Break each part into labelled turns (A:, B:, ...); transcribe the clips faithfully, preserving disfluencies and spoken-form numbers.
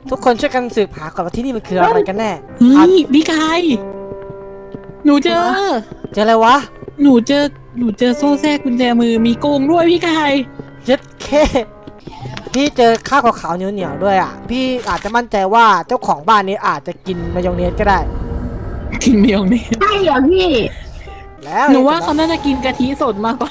A: ทุกคนช่วยกันสืบหาก่อนว่าที่นี่มันคืออะไรกันแน่
B: เฮ้ยพี่กายหนูเจอ
A: เจออะไรวะ
B: หนูเจอหนูเจอโซ่แทรกกุญแจมือมีโกงด้วยพี่กาย
A: เย็ดเคพี่เจอข้าวขาวๆเหนียวๆด้วยอ่ะพี่อาจจะมั่นใจว่าเจ้าของบ้านนี้อาจจะกินมายองเนสก็ได้
B: กินมายองเนส
C: ใช่เหรอพี่
B: แล้วหนูว่าเขาน่าจะกินกะทิสดมากกว่า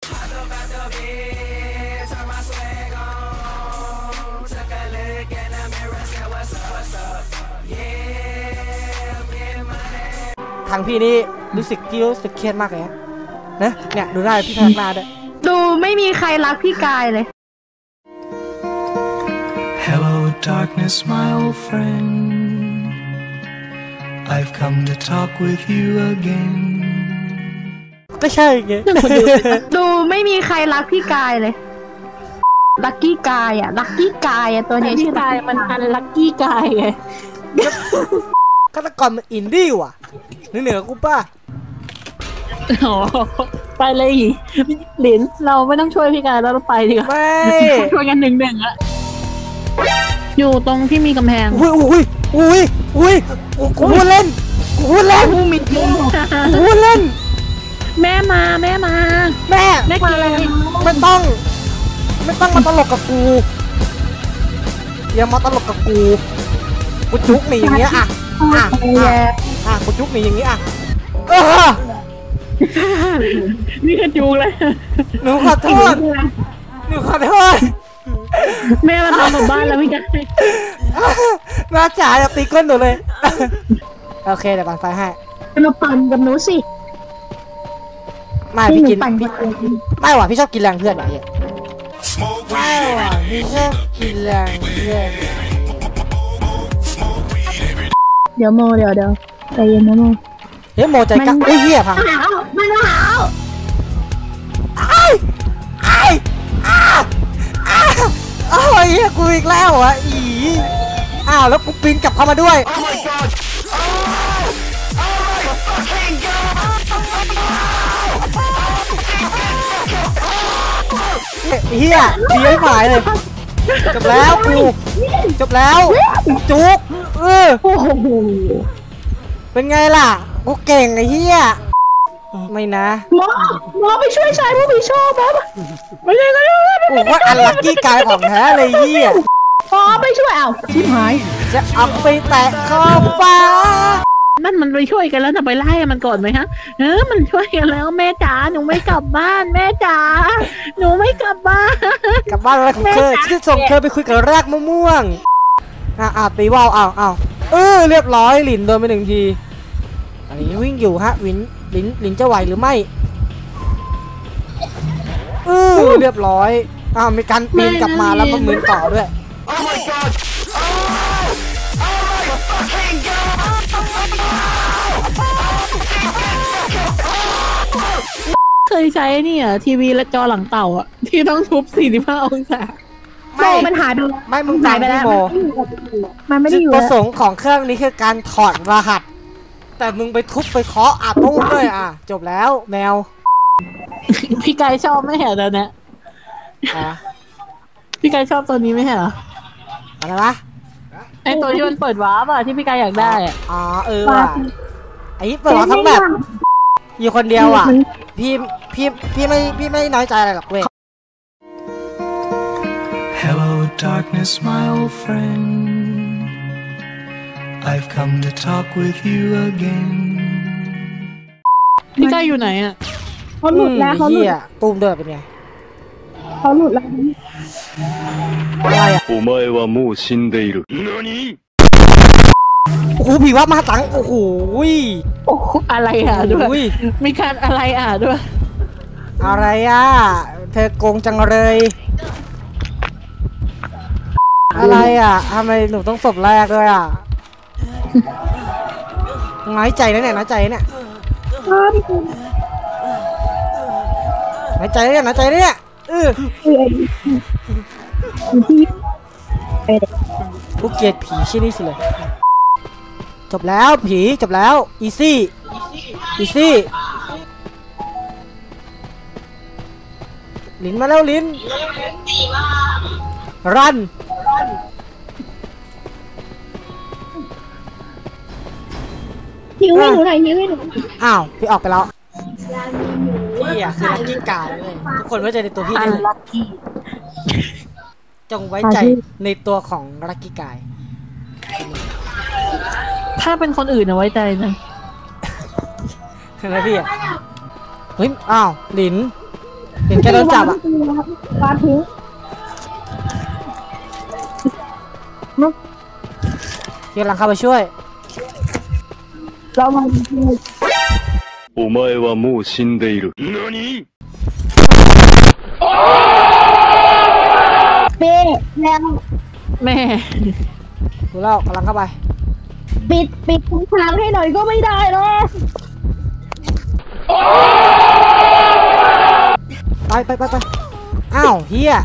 A: ทางพี่นี่รู้สึกพี่รู้สึกเครียดมากเลยนะเนี่ยดูได้พี่พนักงานด้วย
C: ดูไม่มีใครรักพี่กายเลย
D: Hello darkness my old friend I've come to talk with you again
A: ก็ใช่ไง
C: ดูไม่มีใครรักพี่กายเลยลักกี้กายอ่ะลักกี้กายอ่ะตัวนี้
B: ชื่อกายมันอันลักกี้กายไง
A: ฆาตกรมันอินดี้ว่ะเหนือกูป่ะ
B: อ๋อไปเลยหลินเราไม่ต้องช่วยพี่กายแล้วเราไปดีกว่า
A: ไม่
B: ช่วยกันหนึ่งหนึ่งอะอยู่ตรงที่มีกำแพง
A: อุ้ยอุ้ยอุ้ยอุ้ยกูพูดเล่นกูพูดเล่น
C: กูมิดกู
A: พูดเล่น
B: แม่มาแม่มา
A: แม่
B: แม่มาอะไร
A: ไม่ต้องไม่ต้องมาตลกกับกูอย่ามาตลกกับกูกูจุกหนีอย่างเงี้ยอ่ะอ่ะอ่ะกูจุกหนีอย่างเงี้ยอ่ะเออ
B: นี่คือจุกเลย
A: หนูขอโทษหนูขอโทษ
B: แม่มาทำหมู่บ้านแล้วพี่กาย
A: แม่จ๋าอย่าตีก้นหนูเลยโอเคเดี๋ยวปั่นไฟให้
C: มาปั่นกับหนูสิ
A: ไม่พี่กินไม่หว่ะพี่ชอบกินแรงเพื่อนไหนไม่หว่ะพี่ชอบกินแรงเพื่อน
C: เดี๋ยวโมเดี๋ยวเดี๋ยวใจเย็นนะโม
A: เฮ้ยโมใจกล้าอุ้ยเหี้ยพัง
C: มันหนาว
A: ไอ้ไอ้อ้าอ้าโอ้ยเหี้ยกูอีกแล้วอ่ะอีอ้าวแล้วกูปีนกลับเข้ามาด้วยเฮียดีให้หมายเลยจบแล้วกูจบแล้วจุกเออเป็นไงล่ะกูเก่งไอ้เฮียไม่นะ
C: หมอหมอไปช่วยชายผู้มีโชคมั้ยไม่ใช่ก็
A: โอ้ว่าอันลักกี้กายของแท้เลยเฮีย
C: หมอไปช่วยเอาชิบหาย
A: จะเอาไปแตะขอบฟ้า
B: นั่นมันไปช่วยกันแล้วจะไปไล่มันก่อนไหมฮะเออมันช่วยกันแล้วแม่จ๋าหนูไม่กลับบ้านแม่จ๋าหนูไม่กลับบ้าน
A: กลับบ้านอะไรของเธอฉันจะส่งเธอไปคุยกับรากมะม่วงอ่ะอ่ะตีว่าวอ้าวอ้าวเออเรียบร้อยหลินโดนไปหนึ่งทีอันนี้วิ่งอยู่ฮะวินลินลินจะไหวหรือไม่เออเรียบร้อยอ้าวมีการปีนกลับมาแล้วมันมือต่อด้วย
B: เคยใช้นี่อ่ะทีวีและจอหลังเต่าอ่ะที่ต้องทุบสี่สิบห้าองศา
C: ไม่มันหายไป
A: ไม่มึงฟังพี่โม
C: มันไม่ได้อยู่
A: ประสงค์ของเครื่องนี้คือการถอดรหัสแต่มึงไปทุบไปเคาะอาตุ้มด้วยอ่ะจบแล้วแมว
B: พี่กายชอบไม่เหรอตอนนี้พี่กายชอบตัวนี้ไม่เหรอ
A: อะไรวะ
B: ไอตัวที่มันเปิดวาร์ปอ่ะที่พี่กายอยากได้อ่ะ
A: อ๋อเออว่ะไอ้เปิดวาร์ปทั้งแบบอยู่คนเดียวอ่ะพี่พี่พี่ไม่พี่ไม่น้อยใจอะไรหรอกเว้ย
D: Hello darkness my old friend I've come to talk with you again
B: พี่กายอยู่ไหนอ่ะ
C: เขาหลุดแล้วเขาหลุด
A: ตูมเดินเป็นไง
C: เขาหลุดแล้ว
A: อะไรอ่ะ
D: お前はもう死んでいる何
A: โอ้โหผีว่ามาตังโอ้โห
B: โอ้อะไรอ่ะด้วยมีการอะไรอ่ะด้วย
A: อะไรอ่ะเธอโกงจังเลยอะไรอ่ะทำไมหนูต้องศพแรกด้วยอ่ะน้อยใจนะเนี่ยน้อยใจเนี่ยน้อยใจเนี่ยน้อยใจเนี่ยเออกูเกลียดผีชิ้นนี้สิเลยจบแล้วผีจบแล้วอีซี่อีซี่ลิ้นมาแล้วลิ้นรัน
C: หิวให้หนูหน่อยหิวให้หนู
A: อ้าวพี่ออกไปแล้วพี่อะคือลักกี้กายเลยทุกคนไว้ใจในตัวพี่
B: อั
A: ได้
B: น
A: เลย
B: ลัคกี้
A: จงไว้ใจในตัวของลักกี้กาย
B: ถ้าเป็นคนอื่นเอาไว้ใจนะ
A: เห็นไหมพี่อะเฮ้ยอ้าวหลินหลินแกโดนจับอะ
C: วางทิ้ง
A: พี่กำลังเข้าไปช่วย
C: เรามา
D: お前はもう死んでいる。何
C: เป๊ะแล้ว
B: แม่
A: ดูแล้วกำลังเข้าไป
C: ปิดปิดทุกทางให้หน่อยก็ไม่ได้หรอก
A: ไปไปไปไปอ้าวเฮีย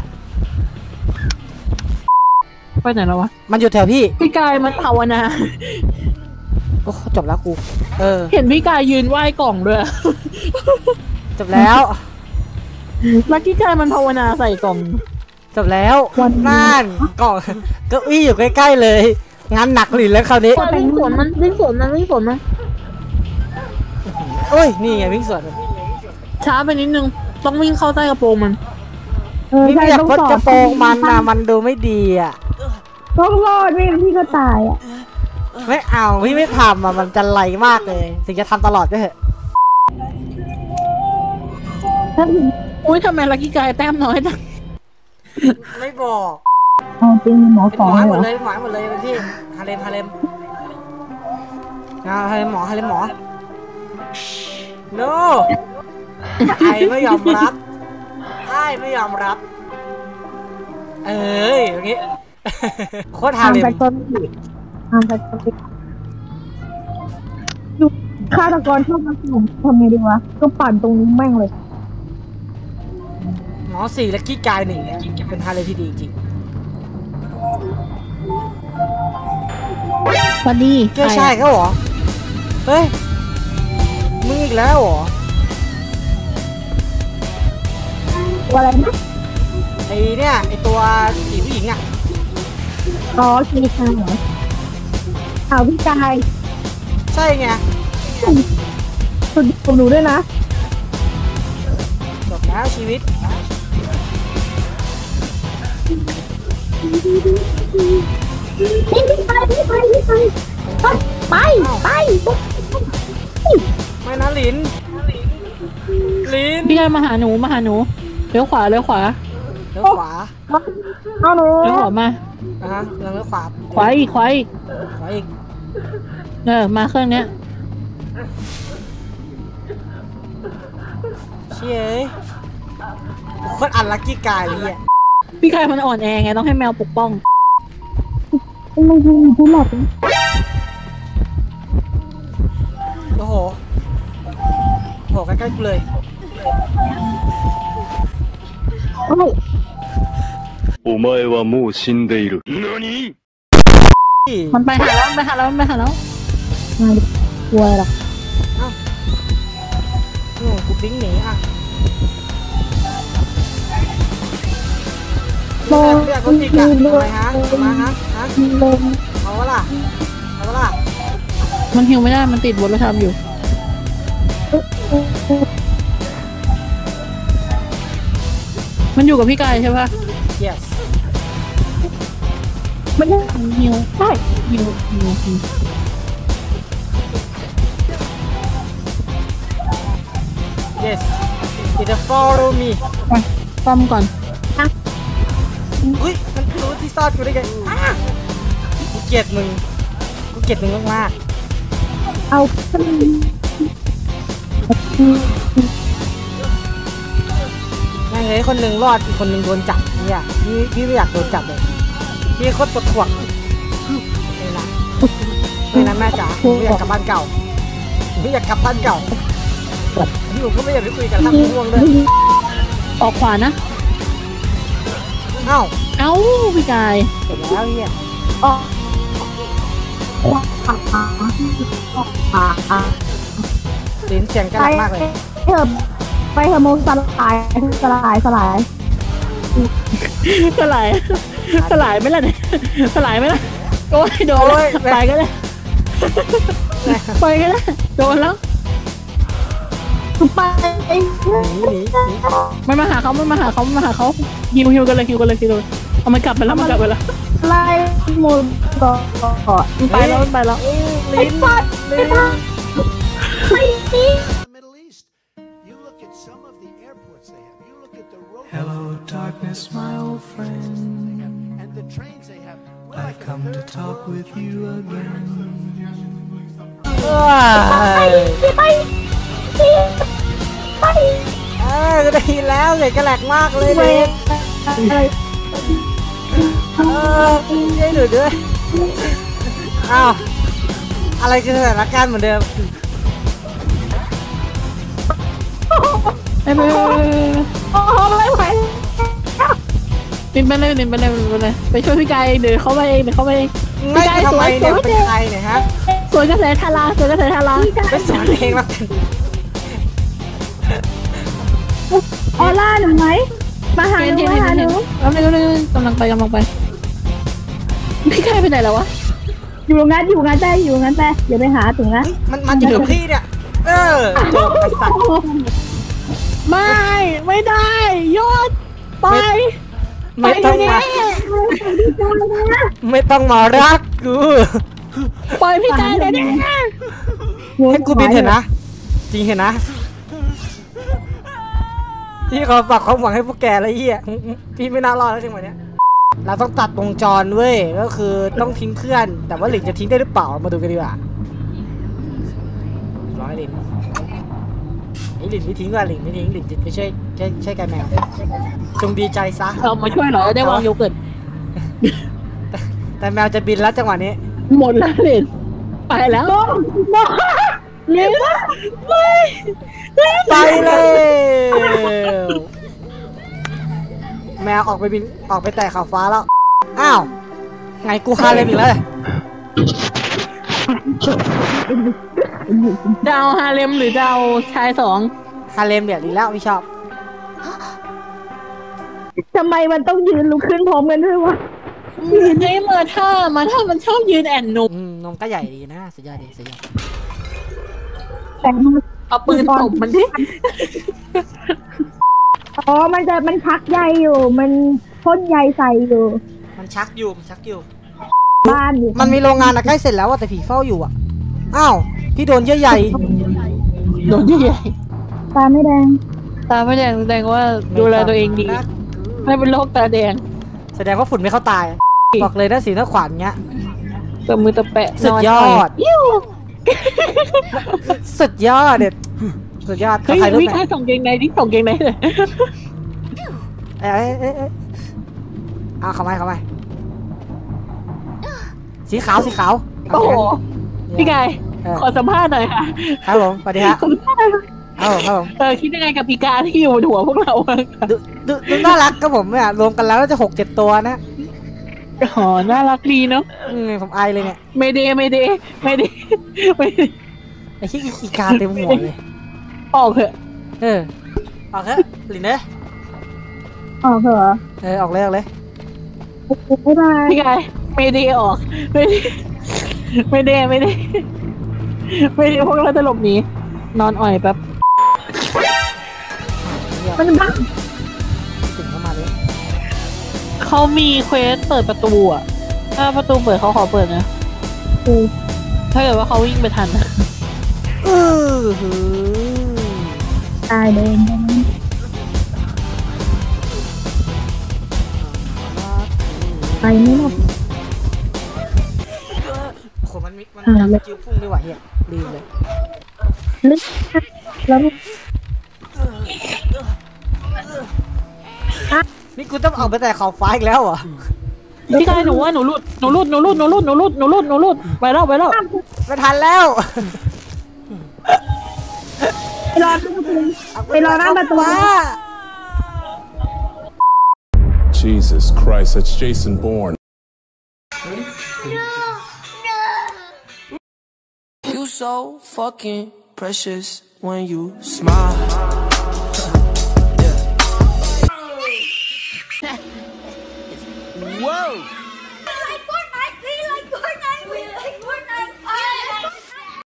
B: ไปไหนแล้ววะ
A: มันอยู่แถวพี่
B: พี่กายมันภาวนา
A: โอ้จบแล้วกู เออ
B: เห็นพี่กายยืนไหว้กล่องด้วย
A: จบแล้ว
B: ลักกี้กายมันภาวนาใส่กล่อง
A: จบแล้วนั่นกล่องเก้าอี้อยู่ใกล้ๆเลย งานหนักหลินแล้วคราวนี้
B: วิ่งสวนมันวิ่งสวนมันวิ่งสวนมัน
A: โอ้ยนี่ไงวิ่งสวน
B: ช้าไปนิดนึงต้องวิ่งเข้าใต้กระโปรงมัน
C: เออ
A: พี่
C: ใช่
A: ไม่อยาก
C: ต้อง
A: พด
C: สอบ
A: กระโปรงมันนะมันดูไม่ดีอ่ะ
C: ต้องรอดไม่งั้นพี่ก็ตายอ่ะ
A: ไม่เอาพี่ไม่ทำอ่ะมันจะไหลมากเลยถึงจะทำตลอดก็เถอะ
C: ถ้าถึง
B: อุ้ยทำไมลักกี้กายแต้มน้อยจัง
A: ไม่บอก
C: เอาจริงหมอ
A: เป็น
C: ส
A: ห
C: อ
A: ม
C: ง
A: อให้หม
C: เหร
A: ด
C: อ
A: เลยหมอให้หมดเลยเป็นที่ฮาเลมฮาเลมอ่าฮาเลมหมอฮาเลมหมอ no ไอไม่ยอมรับไอไม่ยอมรับ เอ้ยอย่างงี้ โคตรฮา
C: ทาง
A: เลม
C: ไปต้นทางไปต้นดูฆาตกรชอบมาสุ่มทำไงดีวะก็ปั่นตรงนี้แม่งเลย
A: หมอสี่และกี้กายหนึ่งเนี่ยเป็นฮาเลมที่ดีจริง
B: สวัสดี
A: เจ้าชายเขาเหรอ เฮ้ย มึงอีกแล้วเหรอ
C: ตัวอะไรนะ
A: ไอเนี่ยไอตัวผีผู้หญิงอ่ะ
C: อ๋อชีคาเหรอเอาพี่กาย
A: ใช่ไง
C: คุณผมดูด้วยนะ
A: จบแล้วชีวิต
C: พี่ไปพี่ไปพี่ไปไปไป
A: ไม่นะลิน ลิน
B: พี่กายมาหาหนูมาหาหนูเลี้ยวขวาเลี้ยวขวา
A: เลี้ยวขวา
C: เอาหนู
B: เลี้ยวขวามา
A: อ่ะฮะเลี้ยวขวา
B: ขวาอีกขวาอีก
A: ขวาอีก
B: เออมาเครื่องเนี้ย
A: เชี่ยเอ้ยโคตรอันลักกี้กายเลยอ่ะ
B: พี่กายมันอ่อนแอไงต้องให้แมวปกป้อง
C: ไม่ยิงผู้หลับ
A: โอ้โหโหใกล้ๆกูเลย
C: โอ้ย
D: お前はもう死んでいる。何
B: มันไปหาแล้วมันไปหาแล้วมันไปหาแล้ว
C: มากลัวหรอ
A: อืมกูปิ้งหนีอ่ะ
C: โล
A: เรียกรถติดอ่ะทำไมฮะทำไมฮะฮะ
C: ลม
A: เอาวะล่ะเอาวะล่ะ
B: มันหิวไม่ได้มันติดบนรถทำอยู่ มันอยู่กับพี่กายใช่ปะ
A: yes
C: ไม่ได้
B: หิว
C: ใช่
B: หิวหิวหิว
A: yes it follow me
B: ไปป้อมก่อน
A: อุ้ยมันรู้ที่ซ่อนกูได้ไงอ่ะกูเกลียดมึงกูเกลียดมึงมาก
C: เอาขึ้น
A: ๆแม่งเฮ้ยคนหนึ่งรอดอีกคนหนึ่งโดนจับเนี่ยพี่พี่ไม่อยากโดนจับเลยพี่โคตรปวดหัวไม่นะไม่นะแม่จ๋าผมไม่อยากกลับบ้านเก่าผมไม่อยากกลับบ้านเก่าพี่ผมก็ไม่อยากไปคุยกันทำง่วงเลย
B: ออกขวานะ
A: เอ้า
B: เอ้าพี่กาย
A: เสร็จแล้วเนี่ย
C: ออกขาขาขา
A: ลิ้นเสียงกระ
C: ไป
A: ดับมากเลย
C: เถอะไปเถอะโมสลายสลายสลาย
B: สลายสลายไหม่ล่ะเนี่ยสลายไหม่ล่ะโอ้ยโดน
A: โอ้ย
B: ไปก็เลยไปกันแล้วโดนแล้ว
C: ไป
A: หนีหนีหนี
B: ไม่มาหาเขาไม่มาหาเขาไม่มาหาเขาฮิวฮิวกันเลยฮิวกันเลยฮิวเลยเอามันกลับไปแล้วมันกลับไปแล้ว
C: ไล่หมุนต่อ
B: มันไปแล้วมันไปแล้ว
A: ลิ้นลิ้น
E: Middle East. You look at some of the airports they have. You look at the road.
F: Hello, darkness, my old friend.
E: They have, and the trains they have. We're
F: I've
E: like a
F: come to
E: third
F: talk
E: world
F: with you again.
A: ว้าย
C: ไปไปไป
A: เออก็ได้ยินแล้วเสียงกระแหลกมากเลยลิ้น
C: อะไร
A: เออช่วยหนูด้วยอ้าวอะไรคือสถานการณ์เหมือนเดิม
B: ไปไปไป
C: โอ้โหไม่ไหว
B: บินไปเลยบินไปเลยบินไปเลยไปช่วยพี่กายเดี๋ยวเขาไปเองเดี๋ยวเขาไปเอง
A: ไม่ทำไมเนี่ยเป็นใครเนี่ยฮะ
B: สวนกระแสทาราสวนกระแสทารา
A: ไปสอนเองแล้วกัน
C: ออร่าหนูไหมมาหาหนูมาหาหนู
B: กำลังกำลังไปกำลังไปพี่กายไปไหนแล้ววะ
C: อยู่งานอยู่งานได้อยู่งานได้เดี๋ยวไปหาถึงนะ
A: มันมันจะกับพี่เนี่ยเออจบไอ้สัตว์
B: ไม่ไม่ได้ยอดไป
A: ไม่ต้องมาไม่ต้องมารักกู
B: ปล่อยพี่กายเลยนะ
A: ให้กูบินเห็นนะจริงเห็นนะที่เขาฝากความหวังให้พวกแกแล้วเฮียพี่ไม่น่ารอดแล้วจังหวะเนี้ยเราต้องตัดวงจรเว้ยก็คือต้องทิ้งเพื่อนแต่ว่าหลินจะทิ้งได้หรือเปล่ามาดูกันดีกว่าร้อยหลินไอ้หลินไม่ทิ้งว่ะหลินไม่ทิ้งหลินจะไปช่วยช่วยช่วยกันแมวจงดีใจซะ
B: เรามาช่วยเหรอได้วางโยเกิร์ต
A: แต่แต่แมวจะบินแล้วจังหวะนี้
B: หมดแล้วเลยไปแล้ว
C: เร็ว
A: ไปเลยแมวออกไปบินออกไปแตะขอบฟ้าแล้วอ้าวไงกูคาเลยอีกแล้วเลย
B: จะเอาฮาเลมหรือจะเอาชายสอง
A: คาเลมเดี๋ยวดีแล้วพี่ชอบ
C: ทำไมมันต้องยืนลุกขึ้นพร้อมกันด้วยวะ
B: ไอ้มาท่ามาท่ามันชอบยืนแอนนม
A: อืมนมก็ใหญ่ดีนะสุดยอดดีสุดยอด
C: แต่
B: เอาปืนตบมันดิ
C: อ๋อมันจะมันพักใยอยู่ มันพ่นใยใส่อยู่
A: มันชักอยู่มันชักอยู่
C: บ้านอยู่
A: มันมีโรงงานอะใกล้เสร็จแล้วอะแต่ผีเฝ้าอยู่อะอ้าวพี่โดนเยื่อใหญ่
B: โดนใหญ่
C: ตาไม่แดง
B: ตาไม่แดงแสดงว่าดูแลตัวเองดีไม่เป็นโรคตาแดง
A: แสดงว่าฝุ่นไม่เข้าตายบอกเลยนะสีหน้าขวานเงี้ย
B: ตบมือตะแปะ
A: สุดยอด
B: ยิ้ว
A: สุดยอดเด็ดสุดยอด
B: เฮ้ย
A: ใครรู้
B: วิ่ง
A: ไหม
B: ข้าส่งเกงในดิส่งเกงในเลย
A: เอ้ยเอ้ยเอ้ยเอาเข้ามาเข้ามาสีขาวสีขาว
B: โอ้โหพี่กาย
A: เออ
B: ขอสัมภาษณ์หน่อยค่ะ
A: ครับผมสวัสดีครับครับผมครับผม
B: เออคิดยังไงกับปีกาที่อยู่บนหัวพวกเราอะ
A: ดูดูดูน่ารักครับผมเนี่ยรวมกันแล้วน่าจะหกเจ็ดตัวนะ
B: อ๋อน่ารักดีเนาะ
A: อืมผมอายเลยเนี่ย
B: ไม่เดไม่เดไม่เดไม่เด
A: ไอ้ที่อีกาเต็มหัวเลย
B: ออกเถอะ
A: เออออกเถอะหลินเนย
C: ออกเหรอ
A: เออออกเลยออกเลย
C: บ๊ายบาย
B: พี่กายไม่เดออกไม่เดไม่เดไม่เดไม่เดพวกเราจะหลบหนีนอนอ่อยแป๊บ
C: มันบ้า
A: ถึงเข้ามาเลย
B: เขามีเควสเปิดประตูอ่ะถ้าประตูเปิดเขาขอเปิดนะ
C: คือ
B: ถ้าเกิดว่าเขาวิ่งไปทันนะ
A: เออหือ
C: ตายเดิน ไปไม่หมด
A: โอ้โหมันมีมันมีสกิลพุ่งด้วยว่ะเฮียลืมเลย
C: ลึกแล้ว
A: นี่กูต้องออกไปแต่ขอบฟ้าอีกแล้วเหรอ
B: พี่กายหนูว่าหนูหลุดหนูหลุดหนูหลุดหนูหลุดหนูหลุดหนูหลุดหนูหลุดไปแล้วไปแล้ว
A: ไม่ทันแล้ว
C: ไปรอไปรอหน้าประตู
A: ฟ้า
D: Jesus Christ, that's Jason Bourne.
G: You so fucking precious when you smile.